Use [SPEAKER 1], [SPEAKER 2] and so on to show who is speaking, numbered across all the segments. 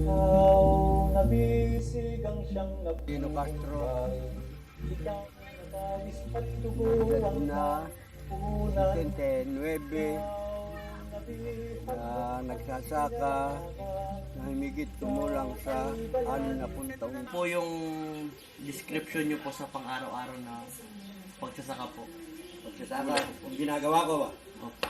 [SPEAKER 1] Ikaw nabisig ang siyang
[SPEAKER 2] Pino Castro,
[SPEAKER 1] Ikaw nagagis at tugo
[SPEAKER 2] edad
[SPEAKER 1] ang
[SPEAKER 2] na
[SPEAKER 1] punan
[SPEAKER 2] 79 na nagsasaka na humigit kumulang sa 60 taon.
[SPEAKER 3] Po yung description nyo po sa pang-araw-araw na pagsasaka po.
[SPEAKER 2] Pagsasaka, kung ginagawa ko ba?
[SPEAKER 3] Opo.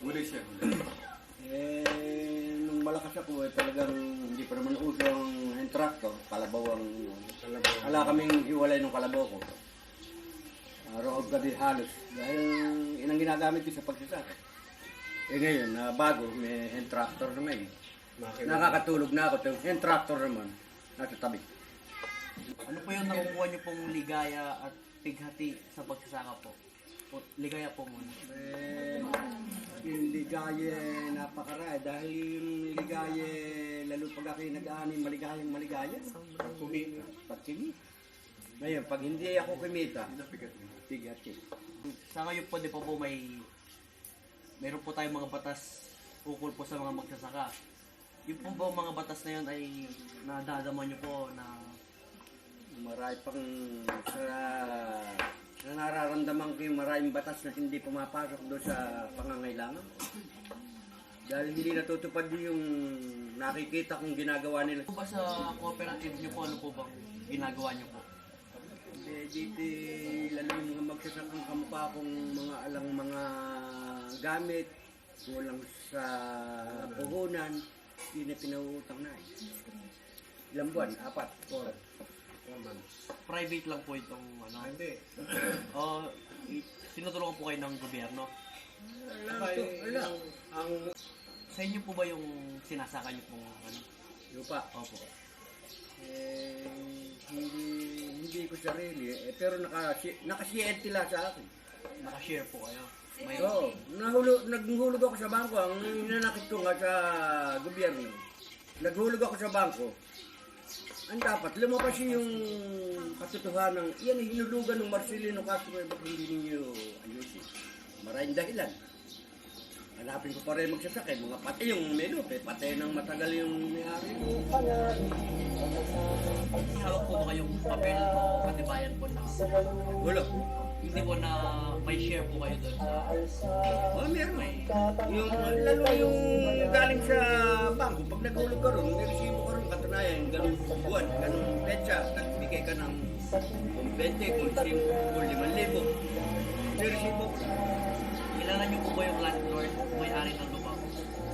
[SPEAKER 2] Nung malakas ako talagang hindi pa naman uso ang tractor, kalabaw ang... Wala kaming hiwalay ng kalabaw ko. Araw gabi halos. Dahil inang ginagamit ko sa pagsasaka. Ngayon, na bago, may hand tractor naman. Nakakatulog na ako. Hand tractor naman, nasa tabi.
[SPEAKER 3] Ano po yung nakukuha nyo pong ligaya at pighati sa pagsasaka po? O, ligaya po muna.
[SPEAKER 2] Yung ligaya, napakaraya. Dahil yung ligaya, lalo pag ako'y nag-aanay, maligaya. Pagkimita. Ngayon, pag hindi ako kumita, pighati.
[SPEAKER 3] Sa ngayon po, di po meron po tayong mga batas ukol po sa mga magsasaka. Yung po ba mga batas na yun ay nadadama nyo po na
[SPEAKER 2] Marami pang sa nararamdaman ko yung maraming batas na hindi pumapasok doon sa pangangailangan. Dahil hindi natutupad yung nakikita kong ginagawa nila.
[SPEAKER 3] po ba sa cooperative nyo po, ano po bang ginagawa nyo po?
[SPEAKER 2] Dito lalo yung mga magsasakang kamukha kong mga alang mga gamit, kulang sa puhunan, hindi na pinauutang na. Ilang buwan? 4 months.
[SPEAKER 3] Private lang po itong ano?
[SPEAKER 2] Hindi.
[SPEAKER 3] O, tinutulungan po kayo ng gobyerno?
[SPEAKER 2] Wala. Ang
[SPEAKER 3] Sa inyo po ba yung sinasaka nyo pong ano?
[SPEAKER 2] lupa.
[SPEAKER 3] Opo.
[SPEAKER 2] Hindi ko sarili pero nakasiyente lang sa akin.
[SPEAKER 3] Nakashare po kayo? May,
[SPEAKER 2] Oo, naghulog ako sa bangko. Ang nanakit ko nga sa gobyerno. Naghulog ako sa bangko. Ang dapat, lumabas yung katotohanan. Yan, hinulugan ng Marcelino Castro. Bakit hindi ninyo ayusin? Maraming dahilan. Hanapin ko pa rin magsasakay. Mga patay yung menupe. Patay ng matagal yung may-ari.
[SPEAKER 3] hawak po ba kayong papel o katibayan po na
[SPEAKER 2] Wala.
[SPEAKER 3] hindi po na may share po kayo doon sa
[SPEAKER 2] Oh, meron. Yung, lalo yung galing sa bangko, pag naghulog ka ron, may resibo ka ron, katunayan, ganun buwan, ganun petsa, nagbigay ka ng kung 20, kung 5,000. May resibo ko.
[SPEAKER 3] kilala niyo po ba yung landlord may-ari ng lupa po?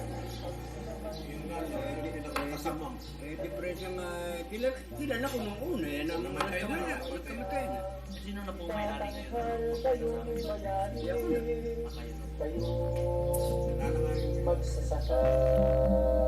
[SPEAKER 2] Diferensya nga, kilala ko nung una, yan ang nagkamatay na.
[SPEAKER 3] Sino na po may-ari ngayon?
[SPEAKER 2] Yan ko na.
[SPEAKER 3] Kayo na.
[SPEAKER 1] Kayo magsasaka.